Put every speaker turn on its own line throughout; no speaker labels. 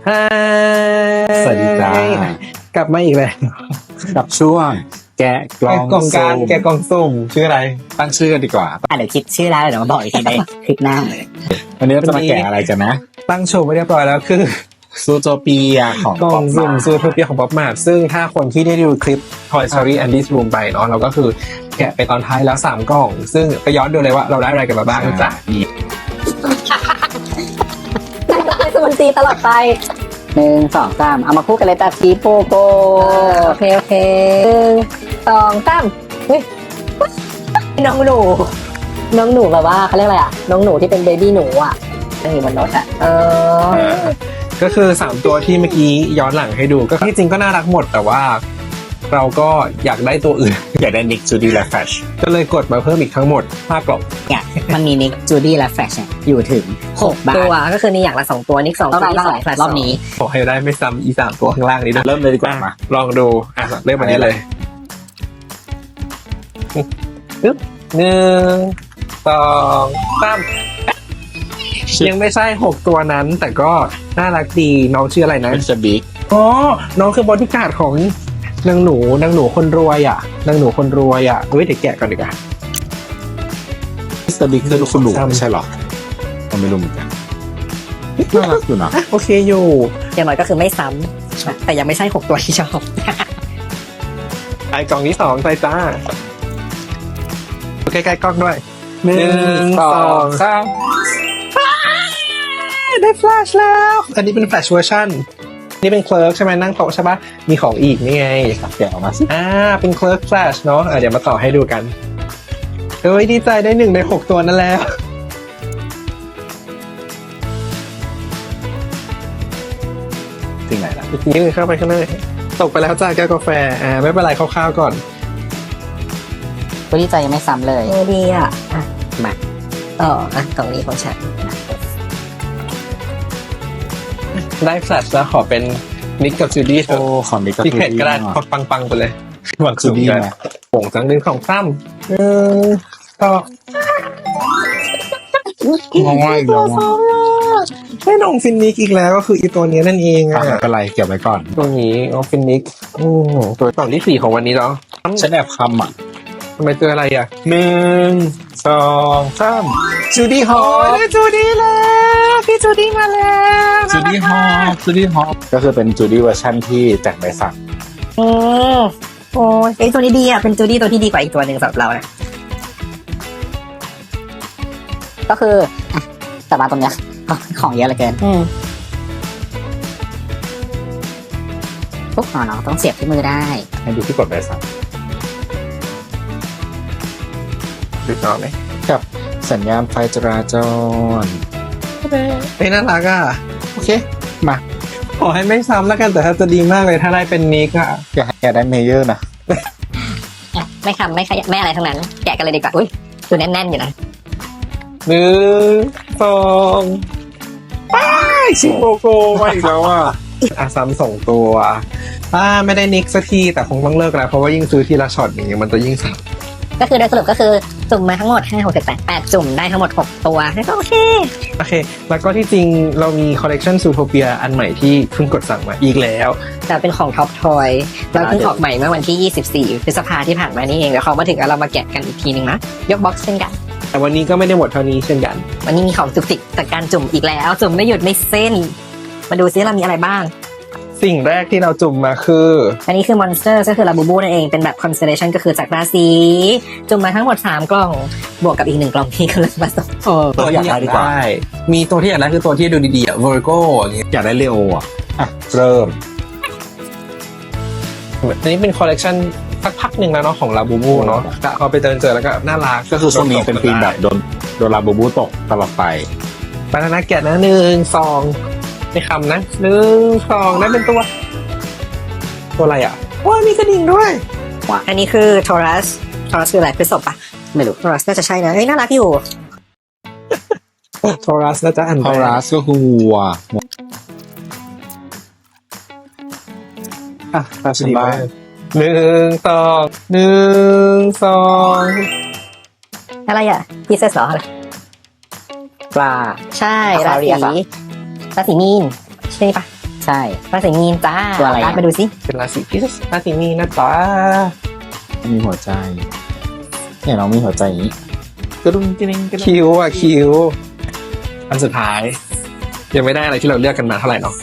ฮาย
สวัสดีจ้าก
ลับมาอีกแล้ว
กับช่วงแกะกล่อง
กล่องการแกะกล่องสุ่มชื่ออะไร
ตั้งชื่อกันดีกว่า
เดี๋ยวคิดชื่อร้านเดี๋ยวมาบอกอีกทีในคลิปหน้า
วันนี้เราจะมาแกะอะไรกันนะ
ตั้งโชว์ไว้เรียบร้อยแล้วคือ
ซูโทเปียของ
กล่องสุ่ม
ป๊อป
ซูโทเปียของป๊อปมาร์ทซึ่งถ้าคนที่ได้ดูคลิป Toy Story Andy's Room ไปเนาะเราก็คือแกะไปตอนท้ายแล้ว3กล่อง ซึ่งไปย้อนดูเลยว่าเราได้อะไรกันมาบ้างจ้ะ
นี่
สมุนซีตลอดไป1 2 3เอามาคู่กันเลยแต่สีโปโกโอเค1 2 3เฮ้ยน้องหนูแบบว่าเขาเรียกอะไรอ่ะน้องหนูที่เป็นเบบี้หนูอ่ะนั่งอยู่บนรถอ่ะ
ก็คือ3ตัวที่เมื่อกี้ย้อนหลังให้ดูก็ที่จริงก็น่ารักหมดแต่ว่าเราก็อยากได้ตัวอื่น
อยากได้นิกจูดี้และแฟช
ก็เลยกดมาเพิ่มอีกทั้งหมด5กล่อง
เนี่ยมันมีนิกจูดี้และแฟชเนี่ยอยู่ถึง6 บาท
ตัวก็คือนี่อย่างละ2ตัวนิก2
ต้อง
ตัว
ได้
นี่
เท่าไหร่
2แฟลช
รอบนี้
ขอให้ได้ไม่ซ้ำอี3ตัวข้างล่างนี้ด้วย
เริ่มเลยดีกว่ามา
ลองดูเริ่มวันนี้เลยปึ๊บ1 2 3ยังไม่ใช่6ตัวนั้นแต่ก็น่ารักดีน้องชื่ออะไรนะ
เป็นจะบิ๊ก
อ๋อน้องคือบอดี้การ์ดของนางหนูคนรวยอ่ะเฮ้ยเดี๋ยวแกะก่อนดีกว่า
มิสเตอร์บิ๊กคือคุณหนูไม่ใช่หรอผมไม่รู้เหมือนกันน่ารักอยู่นะ
โอเคอยู่
อย่างน้อยก็คือไม่ซ้ำแต่ยังไม่ใช่6ตัวที่ชอบ
ไอกล่องที่2ใส่จ้าใกล้ๆกล้องด้วย1 2 3ได้แฟลชแล้วอันนี้เป็นแฟลชเวอร์ชันนี่เป็นเคลิร์กใช่ไหมนั่งโต๊ะใช่ปะมีของอีกนี่ไง
แกะออกมาสิ
เป็นเคลิร์กแฟลชเนาะเดี๋ยวมาต่อให้ดูกันเฮ้ยดีใจได้1ใน6ตัวนั่นแล้ว
ที่ไหนล่ะ
อีกนิดนึงเข้าไปข้างในตกไปแล้วจ้าแก้วกาแฟไม่เป็นไรคร่าวๆก่อน
ตัวที่ใจยังไม่ซ้ำเลย
ดีอ่ะ
มา
ต่อกล่องนี้ของฉัน
ได้แฟลชแล้วขอเป็นนิกกับจูดี้เถ
โอ้
อะ
ของนิกกับ
ที่
จู
เผ็ด
ดี้
ก็ได้
เนาะ
ปังๆไปเลยหวัง
จู
สูง
ดี้
กัน
นะ
โป่งจัง1 2 3ต่อ
มองว่าอีกแล้วอ่ะ
ให้น้องฟินนิกอีกแล้วก็คืออีตัวนี้นั่นเอง
ไม่เป็นไรเก็บไว้ก่อน
ตัวนี้น้องฟินนิกตัวกล่องที่4ของวันนี้เนาะ
ฉันแอบคำอ่ะ
ทำไมเจออะไรอ่ะ1 2 3จูดี้ฮอลจูดี้แล้วพี่จูดี้มาแล้ว
จูดี้ฮอปก็คือเป็นจูดี้เวอร์ชันที่แต่งใบสั่ง
โอ้ยตัวนี้ดีอ่ะเป็นจูดี้ตัวที่ดีกว่าอีกตัวหนึ่งสำหรับเรานะ
ก็คืออ่ะแต่มาตรงเนี้ยของเยอะเหลือเกินปุ๊บเนาะต้องเสียบที่มือได้
ให้ดูที่กดใบสั่ง
ดูต่อไหม
กับสัญญาณไฟจราจร
เฮ้ยน่ารักอ่ะ
โอเค มา
ขอให้ไม่ซ้ำแล้วกันแต่ถ้าจะดีมากเลยถ้าได้เป็นนิกอ่ะ
อยากให้แกได้เมเยอร์นะ
ไม่คำไม่อะไรทั้งนั้นแกะกันเลยดีกว่าอุ้ยตัวแน่นๆอยู่นะ
1 2ป้ายชิโกโกมาอีกแล้วอ่ะซ้ำ2ตัวไม่ได้นิกสักทีแต่คงต้องเลิกแล้วเพราะว่ายิ่งซื้อทีละช็อตอย่างเงี้ยมันจะยิ่งซ้ำ
ก็คือโดยสรุปก็คือจุ่มมาทั้งหมด5 6 7 8 8จุ่มได้ทั้งหมด6ตัวก็โอเค
โอเค แล้วก็ที่จริงเรามีคอลเลกชันซูโทเปียอันใหม่ที่เพิ่งกดสั่งมาอีกแล้ว
แต่เป็นของท็อปทอยเราเพิ่งออกใหม่เมื่อวันที่24 พฤษภาที่ผ่านมานี่เองเดี๋ยวเขามาถึงแล้วเรามาแกะกันอีกทีนึงนะยกบ็อกซ์เช่นกัน
แต่วันนี้ก็ไม่ได้หมดเท่านี้เช่นกัน
วันนี้มีของจุกจิกจากการจุ่มอีกแล้วจุ่มไม่หยุดไม่เส้น มาดูซิเรามีอะไรบ้าง
สิ่งแรกที่เราจุ่มมาคือ
อันนี้คือมอนสเตอร์ก็คือลาบูบูนั่นเองเป็นแบบ constellation ก็คือจากราศีจุ่มมาทั้งหมด3กล่องบวกกับอีก1กล่องที่กำลังผสม
ตัวที่อยากได้ดีกว่า
มีตัวที่อยากได้คือตัวที่ดูดีๆอ่ะ Virgo อย่างเงี้ย
อยากได้เลโออ่ะเริ่ม
อันนี้เป็นคอลเลกชันสักพักหนึ่งแล้วเนาะของลาบูบูเนาะกะพอไปเจอแล้วก็น่ารัก
ก็คือช่วงนี้เป็นธีมแบบโดนลาบูบูตกตลอดไป
บานาน่าแกะนะ1 2ไม่คำนะ1 2นั่นเป็นตัวอะไรอ่ะว้ามีกระดิ่งด้วย
อันนี้คือ Taurus คืออะไรพฤษภปะ
ไม่รู้
Taurus น่าจะใช่นะเฮ้ยน่ารักอยู่
โทรัสน่าจะอ่าน
พาราสก็คือวัว
อ่ะตา
ฉันบ้า
1 2
อะไรอ่ะ Pieces เหรออะไร
ปลา
ใช่
Aquarius
ราศีมีนใช่ปะ
ใช่
ราศีมีนจ้า
ตัวอะไรอะ
การดมาดูสิ
เป็นราศีพิษราศีมีนนะจ๊ะ
มีหัวใจเนี่ยเรามีหัวใจอย่างนี้กระดุมกระดิ่งกระดุม
คิวอ่ะคิว อันสุดท้าย ยังไม่ได้อะไรที่เราเลือกกันมาเท่าไหร่เนาะ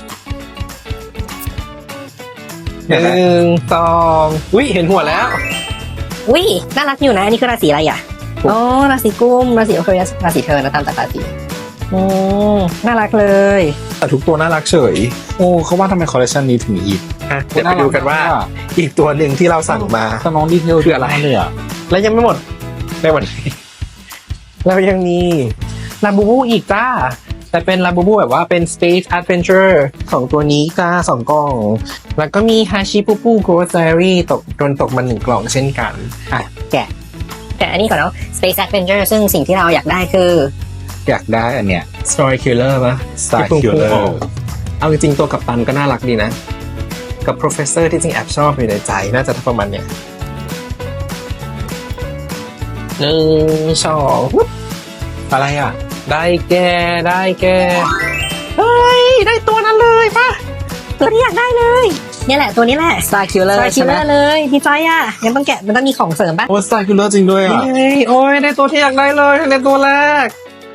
หนึ่งสองอุ้ยเห็นหัวแล้ว
อุ้ยน่ารักอยู่นะอันนี้คือราศีอะไรอ่ะอ๋อราศีกุมราศีโอเคราศีเธอนะตามจากราศีน่ารักเลย
แต่ทุกตัวน่ารักเฉย
โอ้เขาว่าทำไมคอลเลคชันนี้ถึงอีก
อ่ะเดี๋ยวไปดูกันว่า อีกตัวหนึ่งที่เราสั่งมา
ถ้าน้องดีเทล
คืออะไร
เลยอ่ะ
และยังไม่หมดในวันนี้ เรายังมีลาบูบูอีกจ้า แต่เป็นลาบูบูแบบว่าเป็น Space Adventure ของตัวนี้จ้า2 กล่อง แล้วก็มีฮาชิปูปูโกรซ Diary โดนตกมา1 กล่องเช่นกัน
แต่อันนี้ก่อนเนาะ Space Adventure ซึ่งสิ่งที่เราอยากได้คือ
อยากได้อันเนี้ย
Story Killer ปะ
Star
ที่พุ่ง
Killer
ออกเอาจริงๆตัวกัปตันก็น่ารักดีนะ กับ Professor ที่จริงแอบชอบอยู่ในใจ น่าจะประมาณเนี้ย1 2ปุ๊บอะไรอ่ะ ได้แกเฮ้ย ได้ตัวนั้นเลยปะ
ตัวที่อยากได้เลยเนี่ยแหละตัวนี้แหละ
Star Killer
สตาร์คิ
ใช่
ล
ไห
เล
ม
อร์เลยดีใจอ่ะยังต้องแกะมันต้องมีของเสริมป่ะ
โอ้สไตล์คิลเลอร์จริงด้วยอ่ะ
เฮ้ยโอ้ยได้ตัวที่อยากได้เลยในตัวแรก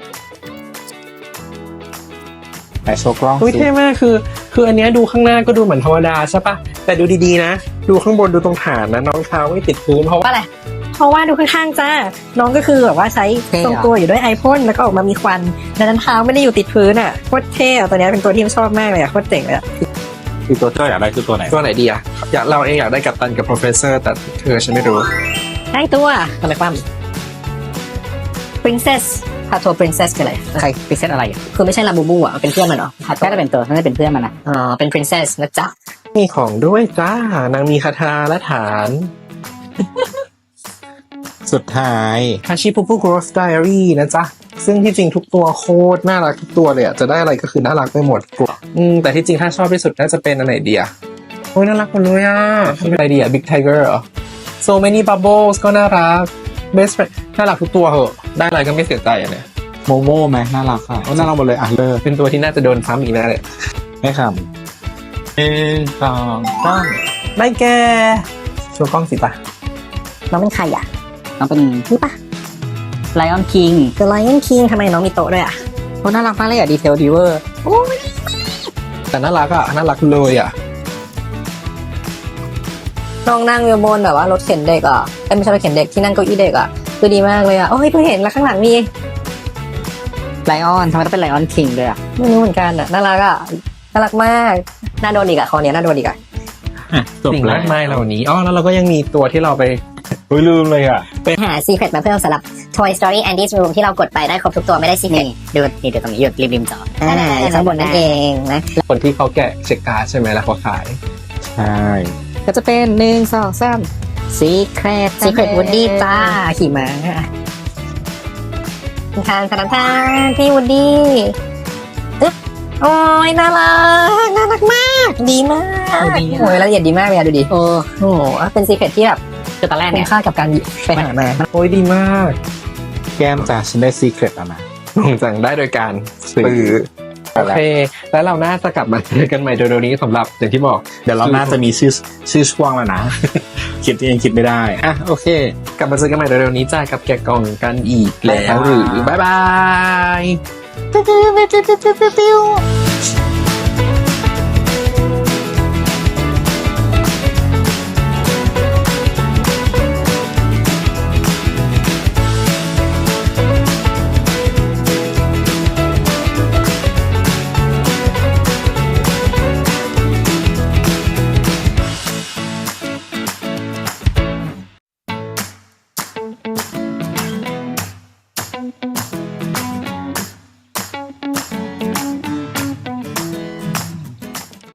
ไหนโชว์กล้อง
อุ้ย
สิ
เท่มากคืออันเนี้ยดูข้างหน้าก็ดูเหมือนธรรมดาใช่ปะแต่ดูดีๆนะ ดูข้างบนดูตรงฐานนะน้องเท้าไม่ติดพื้นเพราะว่า
ว่าอะไรเพราะว่าดูข้างๆจ้าน้องก็คือแบบว่าใช้ทรงตัวอยู่ด้วยไอพ่นแล้วก็ออกมามีควันดังนั้นเท้าไม่ได้อยู่ติดพื้นอ่ะโคตรเท่อะตัวเนี้ยเป็นตัวที่ชอบมากเลยอ่ะโคตรเจ๋งเลยอ่ะ
คือตัวที่เราอยากได้คือตัวไหน
ตัวไหนดีอะเราเองอยากได้กัปตันกับ professor แต่เธอฉันไม่รู้
ได้ตัวทำไมความ princess พาโท princess คืออะไร
ใครพิเศษอะไรอ่ะ
คือไม่ใช่ลาบูบูอ่ะเป็นเพื่อนมันเหรอพาโท
น่าจะเป็นตัวน่าจะเป็นเพื่อนมันนะ
อ๋อเป็น princess นะจ๊ะ
มีของด้วยจ้านางมีคาถาและฐาน
สุดท้าย
ฮาชิปูปูโกรสไดอารี่นะจ๊ะ ซึ่งที่จริงทุกตัวโคตรน่ารักทุกตัวเลยอะจะได้อะไรก็คือน่ารักไปหมดแต่ที่จริงถ้าชอบที่สุดน่าจะเป็นอันไหนดีอะโอ้ยน่ารักหมดเลยอะเป็นอะไรดีอะ Big Tiger เหรอ So many bubbles ก็น่ารัก Best friend น่ารักทุกตัวเหอะได้อะไรก็ไม่เสียใจอะเนี่ย
โมโม่ไหมน่ารักอ่ะโอ้น่ารักหมดเลยอ่ะเลิก
เป็นตัวที่น่าจะโดนซ้ำอีกแน่เลย
ไม่คำ1 2 3
ได้แกโชว์กล้องสิปะ
น้องเป็นใครอ่ะ
น้องเป็น
นี่ปะ
Lion King
The Lion King ทำไมน้องมีโต๊ะด้วยอ่ะ
โอ้น่ารักมากเลยอ่ะดีเทลดิเวอร์
แต่น่ารักอะน่ารักเลยอะ
น้องนั่งอยู่บนแบบว่ารถเข็นเด็กอ่ะไม่ใช่รถเข็นเด็กที่นั่งเก้าอี้เด็กอ่ะคือดีมากเลยอ่ะโอ้ยเพิ่งเห็นแล้วข้างหลังมี
Lion ทำไมต้องเป็น Lion King ด้วยอ่ะ
ไม่รู้เหมือนกันอ่ะน่ารักอ่ะน่ารักมากน่าโดนอีกอ่ะคอเนี้ยน่าโดนอีกอ่ะ
จบ
สิ่ง
แล้
มาว กมายเหล่านี้อ๋อแล้วเราก็ยังมีตัวที่เราไป
เฮ้ยลืมเลยอ่ะ
หา secret มาเพิ่มสำหรับ Toy Story Andy's Room ที่เรากดไปได้ครบทุกตัวไม่ได้ secret
ดูนี่ดูตรงนี้อยู่ริมจอ
อยู่ข้างบนนั่นเองนะ
คนที่เขาแกะเช็คการ์ดใช่ไหมแล้วเขาขาย
ใช่
ก็จะเป็น1 2 3 Secret
secret Woody จ้าขี่ม้าทานพี่วูดดี้อึ๊บโอ้ยน่ารักมากดีมากโอ้ยละเอียดดีมากเลยอะดูดิ
โอ้
โอ้โหเป็น secret ที่แบบ
คือตอนแรก
คุ้
เนี่
ม
ย
ค่ากับการไปหามา
โอ้ยดีมาก
แก้มจ้าฉันได้ซีเครตแล้วนะ
หลงจังได้โดยการซื้อโอเค แล้วเราน่าจะกลับมาเจอกันใหม่เร็วๆนี้สำหรับอย่างที่บอก
เดี๋ยวเราน่าจะมีชื่อช่วงแล้วนะ คิดเองคิดไม่ได้อ่ะโอเค
กลับมาเจอกันใหม่เร็วๆนี้จ้ากับแกะกล่องกันอีกแล้วหรือบ๊ายบาย